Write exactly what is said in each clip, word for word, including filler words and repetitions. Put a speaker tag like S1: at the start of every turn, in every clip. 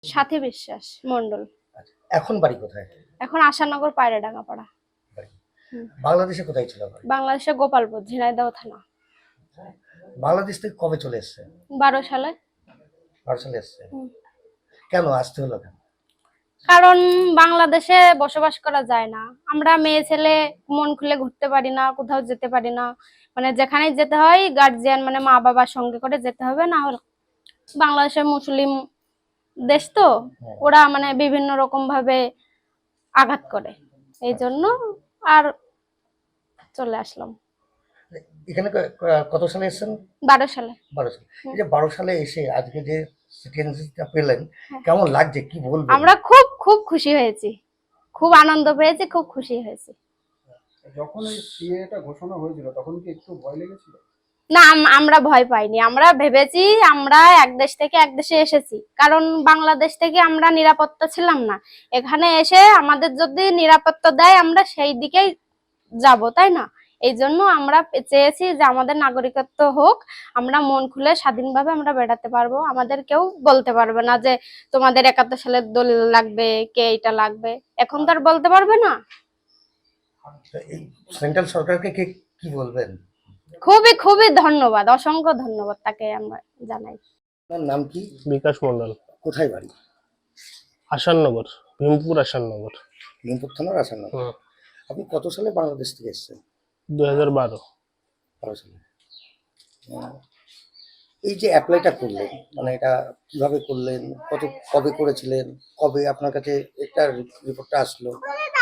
S1: সাথী বিশ্বাস মন্ডল।
S2: আচ্ছা, এখন বাড়ি কোথায়?
S1: এখন আশানগর পায়রাডাঙ্গা পাড়া।
S2: বাংলাদেশে কোথায় ছিল বাড়ি?
S1: বাংলাদেশে গোপালপুর, ঝিনাইদহ থানা।
S2: বাংলাদেশ থেকে কবে চলে এসেছে?
S1: বারো সালে।
S2: বারো সালে এসেছে। কেন আসতে হলো কেন?
S1: কারণ বাংলাদেশে বসবাস করা যায় না, আমরা মেয়ে ছেলে মন খুলে ঘুরতে পারি না, কোথাও যেতে পারি না, মানে যেখানে যেতে হয় গার্জিয়ান মানে মা বাবার সঙ্গে করে যেতে হবে, না হলে বাংলাদেশের মুসলিম দেশ তো ওরা মানে বিভিন্ন রকম ভাবে আঘাত করে, এই জন্য আর চলে আসলাম।
S2: এখানে কত সালে এসেছেন?
S1: বারো সালে।
S2: বারো সালে। এই যে বারো সালে এসে আজকে যে সিটিজেনশিপটা পেলেন, কেমন লাগছে কি বলবেন?
S1: আমরা খুব খুব খুশি হয়েছি, খুব আনন্দ পেয়েছি, খুব খুশি হয়েছি।
S3: যখন এই সিএটা ঘোষণা হয়েছিল তখন কি একটু ভয় লেগেছিল?
S1: না, আমরা ভয় পাইনি, আমরা ভেবেছি আমরা এক দেশ থেকে এক দেশে এসেছি, কারণ বাংলাদেশ থেকে আমরা নিরাপত্তা ছিলাম না, এখানে এসে আমাদের যদি নিরাপত্তা দেয় আমরা সেই দিকেই যাব, তাই না? এই জন্য আমরা চেয়েছি যে আমাদের নাগরিকত্ব হোক, আমরা মন খুলে স্বাধীনভাবে আমরা বেড়াতে পারবো, আমাদের কেউ বলতে পারবে না যে তোমাদের একাত্তর সালের দলিল লাগবে, কে এটা লাগবে, এখন তো আর বলতে পারবে না।
S2: এই সেন্ট্রাল সরকারকে কে কি বলবেন?
S1: খুবই খুবই ধন্যবাদ, অসংখ্য ধন্যবাদ তাকে আমরা জানাই।
S2: আপনার নাম কি?
S4: বিকাশ মন্ডল।
S2: কোথায় বাড়ি?
S4: আসাননগর, ভীমপুর আসাননগর।
S2: ভীমপুর থানার আসাননগর। আপনি কত সালে বাংলাদেশ থেকে এসেছেন?
S4: দুই হাজার বারো।
S2: বারো সালে। এই যে অ্যাপ্লাইটা করলেন, মানে এটা কিভাবে করলেন, কত কবে করেছিলেন, কবে আপনার কাছে একটা রিপোর্টটা আসলো?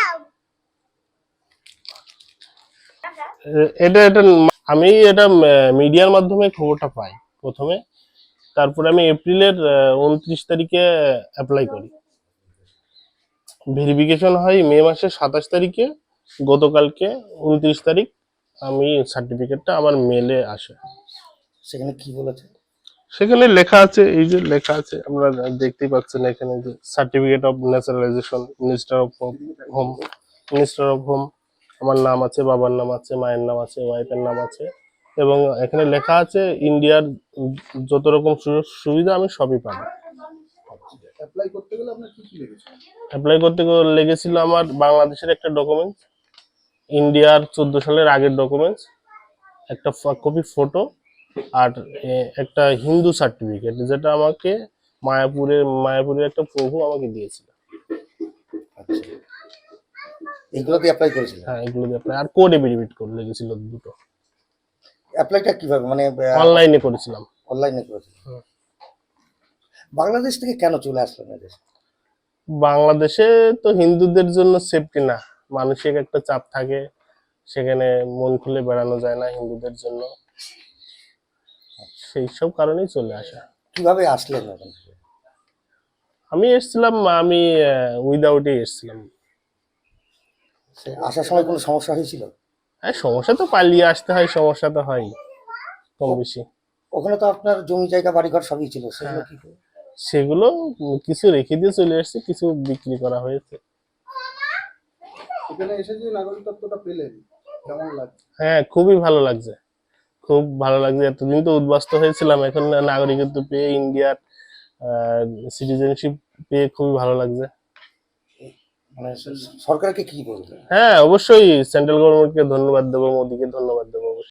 S4: এটা এটা আমি এটা মিডিয়ার মাধ্যমে খবরটা পাই প্রথমে, তারপরে আমি এপ্রিলের উনত্রিশ তারিখে অ্যাপ্লাই করি, ভেরিফিকেশন হয় মে মাসের সাতাশ তারিখে, গতকালকে উনত্রিশ তারিখ আমি সার্টিফিকেটটা আমার মেলে আসে।
S2: সেখানে কি বলেছে?
S4: সেখানে লেখা আছে, এই যে লেখা আছে আপনারা দেখতেই পাচ্ছেন এখানে, যে certificate of naturalisation, minister of home, minister of home, আমার নাম আছে, বাবার নাম আছে, মায়ের নাম আছে, ওয়াইফের নাম আছে, এবং এখানে লেখা আছে ইন্ডিয়ার যত রকম সুযোগ সুবিধা আমি সবই পাবো।
S3: অ্যাপ্লাই করতে গেলে আপনার কি কি লেগেছিল?
S4: অ্যাপ্লাই করতে লেগেছিল আমার বাংলাদেশের একটা ডকুমেন্টস, ইন্ডিয়ার চোদ্দ সালের আগের ডকুমেন্টস, একটা কপি ফটো, আর একটা হিন্দু সার্টিফিকেট, যেটা আমাকে মায়াপুরের মায়াপুরের একটা প্রভু আমাকে দিয়েছিল।
S2: আচ্ছা, এগুলো দিয়ে অ্যাপ্লাই করেছিলেন?
S4: হ্যাঁ, এগুলো দিয়ে অ্যাপ্লাই, আর কোড এফিডেভিট করে লেগেছিল দুটো।
S2: অ্যাপ্লাইটা কিভাবে, মানে
S4: অনলাইনে করেছিলাম।
S2: অনলাইনে করেছিলেন? বাংলাদেশ থেকে কেন চলে আসলেন এদেশে?
S4: বাংলাদেশে তো হিন্দুদের জন্য সেফটি না, মানসিক একটা চাপ থাকে, সেখানে মন খুলে বেড়ানো যায় না হিন্দুদের জন্য, সেই সব কারণেই চলে আসা।
S2: কিভাবে আসলেন ওখান থেকে?
S4: আমি এসেছিলাম, আমি উইদাউটই এসেছিলাম।
S2: আসার সময় কোনো সমস্যা হয়েছিল?
S4: হ্যাঁ, সমস্যা তো পালিয়ে আসতে হয়, সমস্যা তো হয় কম বেশি।
S2: ওখানে তো আপনার জমি জায়গা বাড়িঘর সবই ছিল, সেগুলো কি?
S4: সেগুলো কিছু রেখে দিয়ে চলে আসছে, কিছু বিক্রি করা হয়েছে।
S3: এখানে এসে যে নাগরিকত্বটা পেলেন কেমন লাগছে?
S4: হ্যাঁ, খুবই ভালো লাগছে, খুব ভালো লাগছে। এতদিন তো উদ্বাস্ত হয়েছিলাম, এখন নাগরিকত্ব পেয়ে, ইন্ডিয়ার সিটিজেনশিপ পেয়ে খুবই ভালো লাগছে।
S2: মানে সরকারকে কি বলবেন?
S4: হ্যাঁ, অবশ্যই সেন্ট্রাল গভর্নমেন্টকে ধন্যবাদ দেবো, মোদিকে ধন্যবাদ দেবো।